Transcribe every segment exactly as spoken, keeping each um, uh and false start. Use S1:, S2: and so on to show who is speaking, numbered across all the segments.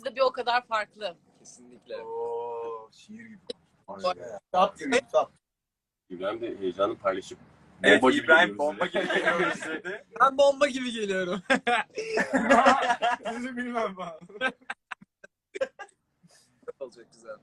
S1: de bir o kadar farklı.
S2: Kesinlikle.
S3: Oo, şiir gibi.
S2: Kitap gibi kitap.
S4: İbrahim de heyecanı paylaşıp
S3: Evet,
S4: bomba gibi
S3: İbrahim
S4: geliyoruz
S3: bomba
S4: dedi.
S3: gibi geliyoruz dedi.
S2: Ben bomba gibi geliyorum.
S3: Sizi bilmem ben.
S2: Olacak güzel.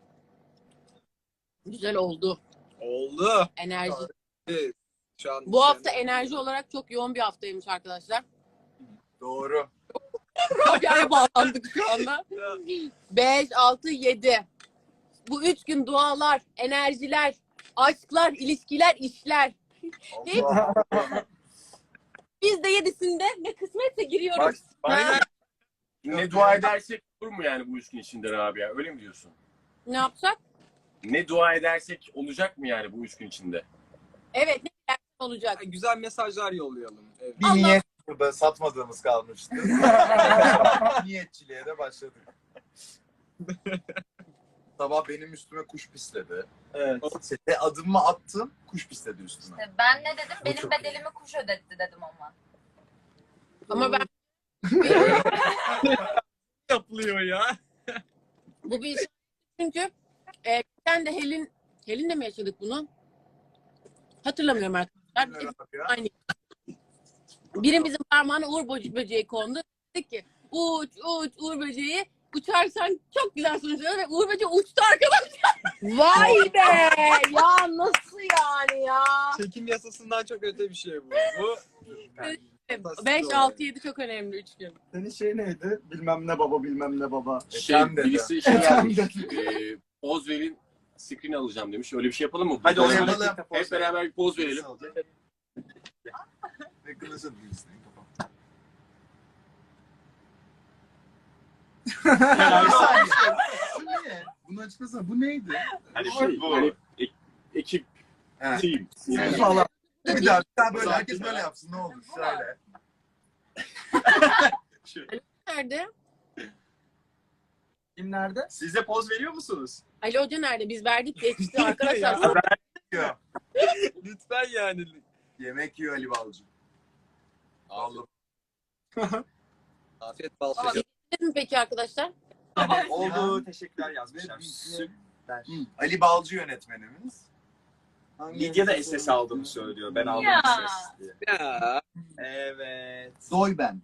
S1: Güzel oldu.
S2: Oldu.
S1: Enerji.
S2: Evet. Şu an
S1: Bu hafta enerji olarak çok yoğun bir haftaymış arkadaşlar.
S3: Doğru.
S1: Rabia'ya bağlandık şu anda. beş, altı, yedi. Bu üç gün dualar, enerjiler, aşklar, ilişkiler, işler.
S3: Allah.
S1: Biz de yedisinde ne kısmetse giriyoruz.
S3: Bak,
S4: Aynen. Ne dua edersek olur mu yani bu üç gün içinde Rabia? Öyle mi diyorsun?
S1: Ne yapsak?
S4: Ne dua edersek olacak mı yani bu üç gün içinde?
S1: Evet, ne dersen olacak.
S2: güzel mesajlar yollayalım. Evet.
S3: Bir
S1: Allah-
S3: niyet burada satmadığımız kalmıştı. Niyetçiliğe de başladık. Sabah benim üstüme kuş pisledi.
S2: Evet.
S3: Sete adımımı attım, kuş pisledi üstüme.
S5: İşte ben ne dedim?
S3: Bu
S5: Benim
S3: çok
S5: bedelimi kuş ödetti dedim ama.
S1: Ama ben
S2: Yapılıyor ya.
S1: bu bir çünkü e, sen de Helin Helin'le mi yaşadık bunu? Hatırlamıyorum arkadaşlar. Hep aynı. Birimizin parmağına uğur böce- böceği kondu. Dedik ki uç uç uğur böceği uçarsan çok güzel sonuçlar ve uğur böceği uçtu arkadaşlar. Vay be! Ya nasıl yani ya?
S2: Çekim yasasından çok öte bir şey bu. Bu
S1: beş, altı, yedi çok önemli üç gün.
S6: Senin şey neydi? Bilmem ne baba, bilmem ne baba.
S4: Şey,
S3: Efendim dedi.
S4: birisi şey yazmış. e, poz verin, screen alacağım demiş. Öyle bir şey yapalım mı?
S3: Hadi
S4: Poz
S3: onu
S4: verelim.
S3: yapalım.
S4: Hep beraber bir poz verelim.
S3: Ve kılıcın birisine kafam. Bir saniye. Bu ne? Bunu açıklasana. Bu neydi?
S4: Hani şey, hani e- ekip,
S3: He.
S4: team. Yani.
S3: Falan. Bir daha, bir daha böyle herkes böyle yapsın ne olur. Şöyle.
S1: Nerede?
S6: Kim nerede?
S3: Siz de poz veriyor musunuz?
S1: Ali Hoca nerede? Biz verdik geçti arkadaşlar.
S3: Yiyor.
S2: lütfen yani.
S3: Yemek yiyor Ali Balcı. Vallahi.
S2: Afiyet bal
S1: Ama
S2: şeker.
S1: yediniz mi peki arkadaşlar?
S3: Oldu.
S7: Teşekkürler yazmışlar. Süper.
S3: Ali Balcı yönetmenimiz.
S7: Lidya da S S aldığını söylüyor. Ben aldım
S5: Ya.
S7: S S diye.
S2: Ya.
S7: Evet.
S3: Doy ben.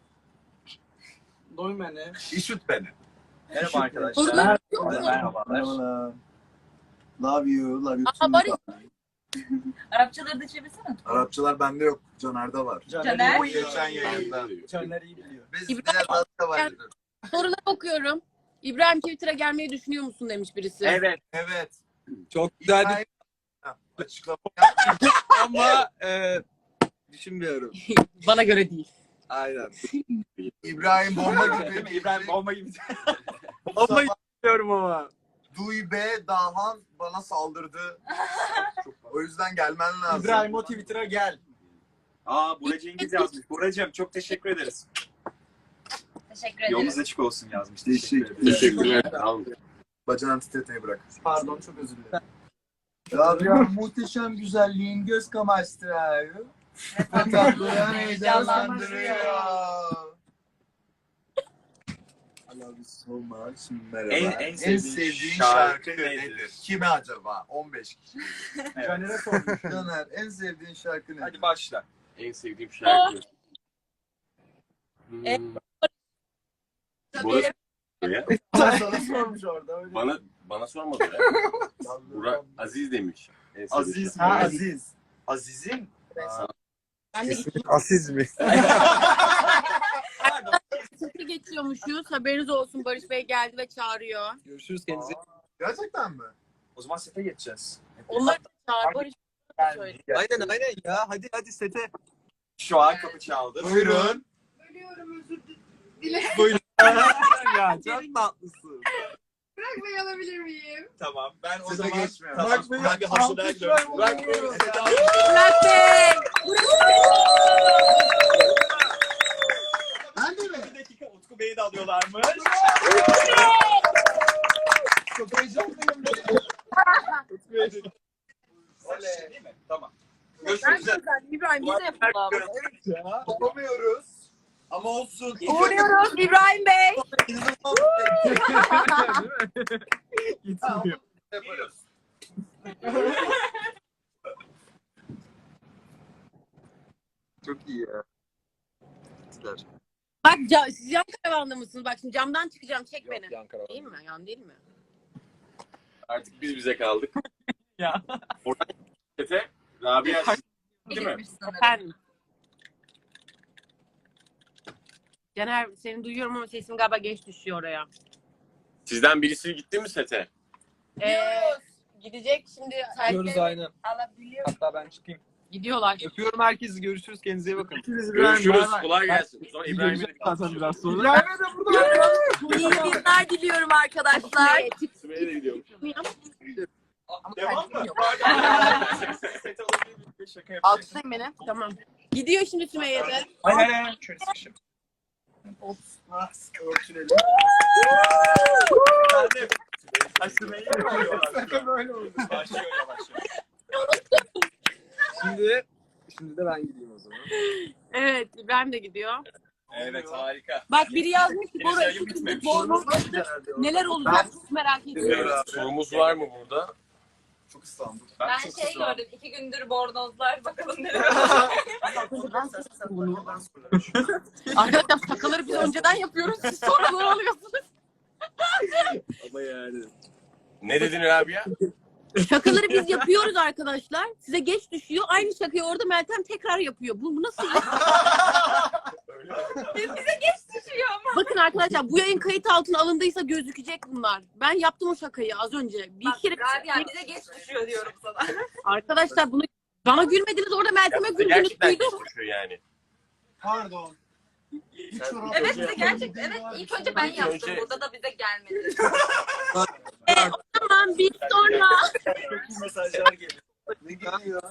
S6: Doyum beni.
S3: İşit beni.
S7: Merhaba arkadaşlar.
S1: Sorular yok mu?
S7: Merhabalar.
S6: Merhabalar. Love you, love you
S1: Aa,
S6: too.
S1: Barış.
S5: Arapçaları da çevirsene.
S3: Arapçalar bende yok. Caner'de var.
S5: Caner.
S3: Geçen yayında.
S6: Caner iyi biliyor.
S3: Biz
S1: İbrahim-
S3: diğer da var.
S1: Soruları okuyorum. İbrahim Twitter'a gelmeyi düşünüyor musun demiş birisi.
S7: Evet.
S3: Evet.
S2: Çok güzel bir
S3: İbrahim- Ha, açıklama.
S2: ama e, düşünmüyorum.
S1: Bana göre değil.
S2: Aynen.
S3: İbrahim bomba
S7: Değil mi?
S3: gibi.
S7: İbrahim bomba gibi.
S2: Ama düşünmüyorum ama.
S3: Duy be Dahan bana saldırdı. O yüzden gelmen lazım.
S6: İbrahim o Twitter'a gel.
S7: Aa Bora Cengiz yazmış. Boracığım çok teşekkür ederiz.
S5: Teşekkür ederim.
S7: Yolunuz açık olsun yazmış.
S3: Teşekkür
S7: Teşekkür ederim.
S4: Teşekkürler. Tamam.
S3: Bacağını titretmeyi bırak.
S6: Pardon çok özür dilerim.
S3: Ya muhteşem güzelliğin göz kamaştırıyor. Fakat duyan heyecanlandırıyor. I love you so much. Merhaba.
S7: En- en sevdiğin
S3: şarkı,
S7: şarkı
S3: nedir?
S7: nedir?
S3: Kime acaba? on beş kişi.
S7: Evet.
S6: Caner'e sormuş.
S3: Caner en sevdiğin şarkı nedir?
S7: Hadi başla.
S4: En sevdiğim şarkı. Hmm.
S1: E-
S4: Burası ya.
S6: Sana sormuş orada. Öyle.
S4: Bana bana sormadı ya. Burak Aziz demiş. En sevdiğim
S7: Aziz
S4: şarkı.
S6: Ha
S7: mi?
S6: Aziz.
S7: Aziz'in.
S1: Ben de
S2: Asiz mi?
S1: iki geçiyormuşuz. Haberiniz olsun. Barış Bey geldi ve çağırıyor.
S2: Görüşürüz kendinize.
S3: Gerçekten mi?
S7: O zaman sete geçeceğiz.
S1: Onlar da çağır. Barış söyle.
S2: Aynen aynen ya. Hadi hadi sete.
S7: Şu an kapı çaldı.
S3: Buyurun.
S8: Bölüyorum özür dilerim.
S2: Buyurun. ya çok tatlısın.
S8: Bırak Bey alabilir miyim?
S7: Tamam. Ben o
S3: Size
S7: zaman
S3: geçmiyorum.
S7: Tamam.
S6: Burak Bey'i
S7: Ben bir hazırlığa gidiyorum.
S6: alkışlar
S7: Burak Bey.
S6: buluyoruz.
S1: Burak Bey!
S3: Ben de mi?
S7: Bir dakika Utku Bey'i de alıyorlarmış.
S6: Çok heyecanlıyım.
S7: Utku Bey de. Oley. Değil mi? Tamam. Görüşmek üzere.
S1: İbrahim bize yapalım.
S3: Yapamıyoruz. Ama olsun.
S1: Uğurluyoruz İbrahim Bey.
S3: İnanılmaz
S6: Gitmiyor.
S3: Yaparız.
S2: Çok iyi ya. Güzel.
S1: Bak ca- siz yan karavanda mısınız? Bak şimdi camdan çıkacağım. Çek beni.
S4: Yan karavan.
S1: Değil mi? Yan değil mi?
S4: Artık biz bize kaldık.
S6: Ya.
S4: Oradan sete Rabia değil mi?
S5: Girmiş sanırım.
S1: Efendim. Caner seni duyuyorum ama sesim galiba geç düşüyor oraya.
S4: Sizden birisi gitti mi sete?
S1: Ee, gidecek şimdi.
S2: Gidiyoruz aynen.
S5: Alabiliyor.
S2: Hatta ben çıkayım.
S1: Gidiyorlar.
S2: Öpüyorum herkesi. Görüşürüz. Kendinize iyi bakın.
S4: Görüşürüz. Kolay gelsin. Sonra İbrahim'e de
S6: Zaten biraz sonra.
S3: İbrahim'e de burada.
S1: İyi günler diliyorum arkadaşlar.
S4: Sümeyye de gidiyormuş.
S3: Devam mı?
S4: Sete alabilir miyim?
S6: Şaka yapayım.
S1: Alkışlayın beni. Tamam. Gidiyor şimdi Sümeyye de.
S6: Hayır hayır. Şöyle sıkışım. Ah, sıkı ölçülelim.
S7: Aşırı yapıyorlar.
S6: Sakın böyle oldu.
S7: Başlıyor yavaş yavaş.
S2: Şimdi şimdi de ben gideyim o zaman.
S1: Evet İbrahim de gidiyor.
S7: Evet harika.
S1: Bak biri yazmış ki
S7: Henüz
S1: Bora
S7: yayın bitmemiş.
S1: Borno neler olacak çok merak ediyorum.
S4: Evet, sorumuz var mı burada?
S3: Çok İstanbul.
S5: Ben
S7: çok
S5: şey
S7: ısındım.
S5: gördüm. iki gündür bornozlar. Bakalım nereye.
S1: Arkadaşlar şakaları biz önceden yapıyoruz. Siz sonradan alıyorsunuz.
S2: Ama yani.
S4: Ne dedin Rabia?
S1: Şakaları biz yapıyoruz arkadaşlar. Size geç düşüyor. Aynı şakayı orada Meltem tekrar yapıyor. Bu, bu nasıl iş?
S5: Bize geç düşüyor ama.
S1: Bakın arkadaşlar bu yayın kayıt altına alındıysa gözükecek bunlar. Ben yaptım o şakayı az önce. Bir
S5: Bak
S1: kere
S5: Rabia bize geç düşüyor diyorum sana.
S1: arkadaşlar bunu bana gülmediniz orada Meltem'e güldünüz.
S4: Gerçekten
S1: Duydum.
S4: geçmişiyor yani.
S6: Pardon.
S5: Evet bize gerçek. Evet ilk önce ben
S4: İlk
S5: yaptım.
S4: önce-
S5: Burada da bize gelmedi.
S1: Tamam bir sonra.
S7: Çok iyi mesajlar geliyor.
S3: Ne geliyor?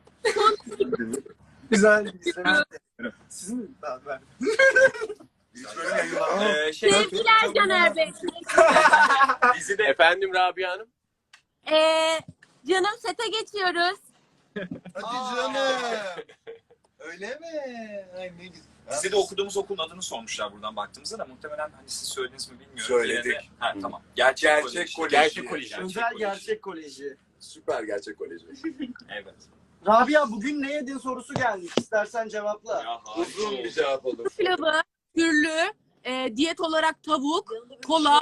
S6: Güzel. Sizin daha ben.
S3: Hiç böyle yayınlanmıyor.
S7: Ee, şey,
S1: Sevgiler Caner Bey.
S7: bizi de
S4: Efendim Rabia Hanım?
S1: Ee, canım sete geçiyoruz.
S3: Hadi canım. Öyle mi? Ay ne güzel.
S7: Bize de okuduğumuz okulun adını sormuşlar buradan baktığımızda da muhtemelen hani siz söylediniz mi bilmiyorum.
S3: Söyledik.
S7: Yine de- Ha tamam. Gerçek,
S3: Gerçek
S7: kolej.
S3: kolej.
S4: Gerçek koleji.
S6: Özel Gerçek Koleji.
S3: Süper gerçek koleji.
S7: Evet.
S6: Rabia bugün ne yedin sorusu gelmiş. İstersen cevapla.
S7: Ya,
S3: Uzun bir cevap olur.
S1: Pilavı, türlü, e, diyet olarak tavuk, kola,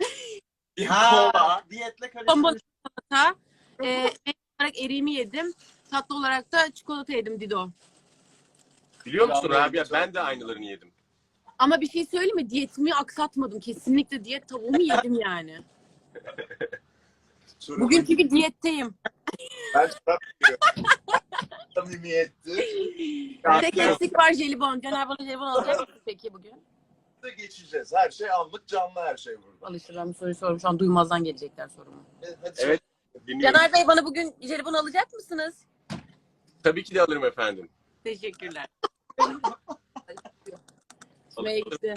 S6: Ha, diyetle
S1: bomba
S6: karıştırmış.
S1: çikolata, e, et olarak eriğimi yedim. Tatlı olarak da çikolata yedim Dido.
S4: Biliyor musun
S3: Rabia
S4: Rabia?
S3: güzel.
S4: Ben de aynılarını yedim.
S1: Ama bir şey söyleyeyim mi? Diyetimi aksatmadım. Kesinlikle diyet tavuğumu yedim yani. Bugün çünkü diyetteyim.
S3: Ben çorap giyiyorum. Samimiyetti.
S1: Tek eksik var jelibon. Caner bana jelibon alacak mısın peki bugün?
S3: De geçeceğiz. Her şey anlık canlı her şey burada.
S1: Alışırlar mı soruyu sorum. Şu an duymazdan gelecekler sorumu.
S3: E, Hadi
S4: Evet. Dinliyorum.
S1: Caner Bey bana bugün jelibon alacak mısınız?
S4: Tabii ki de alırım efendim.
S1: Teşekkürler. Sümeyye gitti.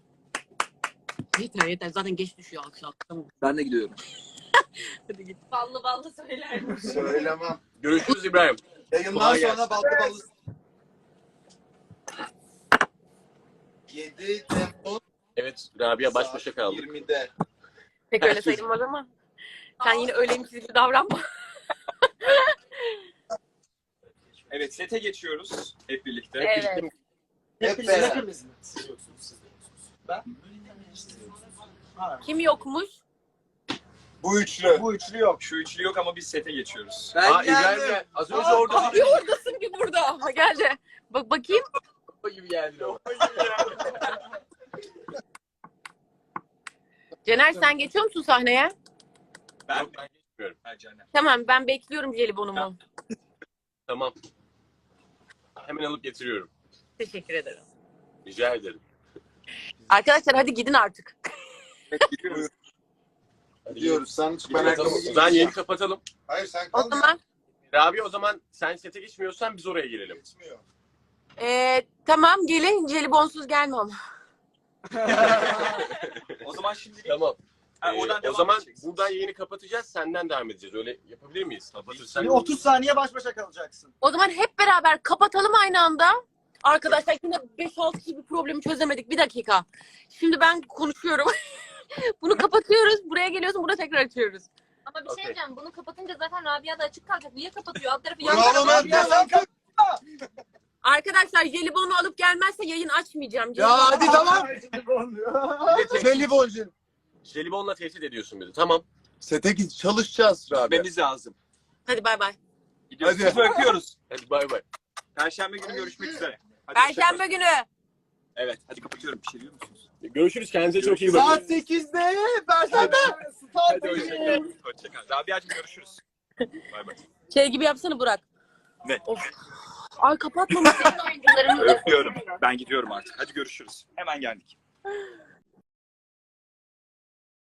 S1: Yeter yeter. Zaten geç düşüyor alkış alkış. Tamam.
S2: Ben de gidiyorum.
S1: Hadi git.
S5: Ballı ballı söyler.
S3: Söylemem.
S4: Görüşürüz İbrahim.
S3: Yayından
S4: Kolay
S3: sonra
S4: gelsin.
S3: ballı ballı. yedi Temmuz
S4: Evet Rabia baş başa kaldık.
S3: yirmide.
S1: Pek öyle sayılmaz ama. Sen yine öyleymişiz gibi davranma.
S7: Evet sete geçiyoruz hep birlikte.
S1: Evet.
S3: Hep beraber.
S6: Hepimiz mi? Siz yoksunuz, siz de yoksunuz. Ben? Ha,
S1: Kim yokmuş?
S3: Bu üçlü.
S6: bu üçlü yok.
S7: Şu üçlü yok ama biz sete geçiyoruz.
S2: Ben
S4: Aa İbrahim
S2: geldim.
S4: gel. Az önce orada
S1: Abi oradasın ki burada. Ha geldi. Bak bakayım.
S4: gibi geldi o.
S1: Cener sen geçiyor musun sahneye?
S7: Ben,
S4: Yok, ben geçmiyorum.
S7: Ha, Caner.
S1: Tamam ben bekliyorum jelibonumu.
S4: Tamam. Hemen alıp getiriyorum.
S1: Teşekkür ederim.
S4: Rica ederim.
S1: Arkadaşlar hadi gidin artık.
S3: Buyur.
S4: Hadi
S3: Diyoruz. Sen hiç
S4: Kapatalım.
S3: merak
S4: O zaman yeni kapatalım.
S3: Hayır sen
S1: O
S3: kal.
S1: zaman
S4: Rabia o zaman sen sete geçmiyorsan biz oraya girelim.
S3: Geçmiyor.
S1: ee, tamam gelin jelibonsuz gelme ama.
S7: O zaman şimdi
S4: Tamam.
S7: ha,
S4: Ee,
S7: oradan
S4: o
S7: devam
S4: zaman
S7: edeceksiniz.
S4: buradan yayını kapatacağız. Senden devam edeceğiz. Öyle yapabilir miyiz? Kapatırsan.
S6: Bir otuz saniye baş başa kalacaksın.
S1: O zaman hep beraber kapatalım aynı anda. Arkadaşlar yine beş altı kişi bir problemi çözemedik. Bir dakika. Şimdi ben konuşuyorum. Bunu kapatıyorsun, burada tekrar açıyoruz.
S5: Ama bir şey
S4: Okey.
S5: diyeceğim. Bunu kapatınca zaten Rabia da açık kalacak. Niye kapatıyor? Alt tarafı
S3: Bravo Mert ya sen kap-
S1: Arkadaşlar jelibonu alıp gelmezse yayın açmayacağım.
S3: Ya hadi tamam.
S4: Bir de te-
S3: Jeliboncu.
S4: jelibonla tehdit ediyorsun bizi. Tamam.
S3: Sete git çalışacağız abi.
S7: Gitmemiz lazım.
S1: Hadi bay bay.
S7: Gidiyoruz.
S3: Hadi.
S7: Sizi bırakıyoruz.
S4: Hadi bay bay.
S7: Perşembe günü görüşmek üzere. Hadi
S1: Perşembe
S7: hoşça
S1: günü.
S7: kalın. Evet. Hadi kapatıyorum. Bir şey diyor musunuz?
S4: Görüşürüz. Kendinize çok iyi bakın.
S3: Saat sekizde Perşembe.
S7: Hadi hoşça kalın. Hoşça kalın. Rabia'cığım görüşürüz. Bay bay.
S1: Şey gibi yapsana Burak.
S7: Ne?
S1: Of. Ay kapatmamışsın.
S5: Oyuncularımız da
S7: Öpüyorum. Ben gidiyorum artık. Hadi görüşürüz. Hemen geldik.